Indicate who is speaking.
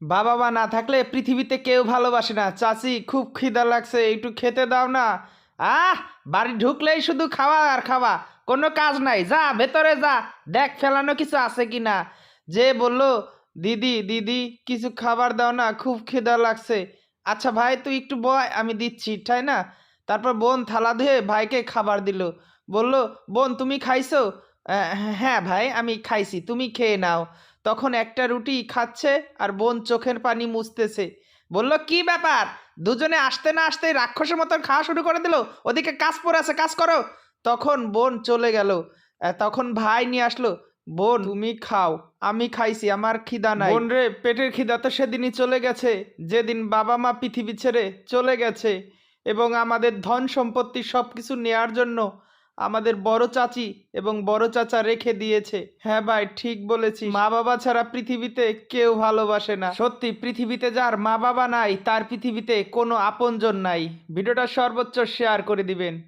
Speaker 1: বাবা মা না থাকলে পৃথিবীতে কেউ ভালোবাসে না। চাচি খুব খিদা লাগছে, একটু খেতে দাও না। আহ, বাড়ি ঢুকলেই শুধু খাওয়া আর খাওয়া, কোনো কাজ নাই। যা ভেতরে যা, দেখ ফেলানো কিছু আছে কিনা। যে বলল, দিদি দিদি কিছু খাবার দাও না, খুব খিদা লাগছে। আচ্ছা ভাই তুই একটু বয়, আমি দিচ্ছি, তাই না? তারপর বোন থালা ধুয়ে ভাইকে খাবার দিল। বলল, বোন তুমি খাইছো? হ্যাঁ ভাই আমি খাইছি, তুমি খেয়ে নাও। তখন একটা রুটি খাচ্ছে আর বোন চোখের পানি মুছতেছে। বলল, কি ব্যাপার, দুজনে আসতে না আসতেই রাক্ষসের মতন খাওয়া শুরু করে দিল। ওদিকে কাজ পড়ে আছে, কাজ করো। তখন বোন চলে গেল। তখন ভাই নিয়ে আসলো। বোন তুমি খাও, আমি খাইছি, আমার খিদা নাই। বোন রে, পেটের খিদা তো সেদিনই চলে গেছে যেদিন বাবা মা পৃথিবী ছেড়ে চলে গেছে, এবং আমাদের ধন সম্পত্তি সবকিছু নেয়ার জন্য আমাদের বড় চাচি এবং বড় চাচা রেখে দিয়েছে। হ্যাঁ ভাই ঠিক বলেছিস, মা বাবা ছাড়া পৃথিবীতে কেউ ভালোবাসে না। সত্যি, পৃথিবীতে যার মা বাবা নাই তার পৃথিবীতে কোনো আপনজন নাই। ভিডিওটা সর্বোচ্চ শেয়ার করে দিবেন।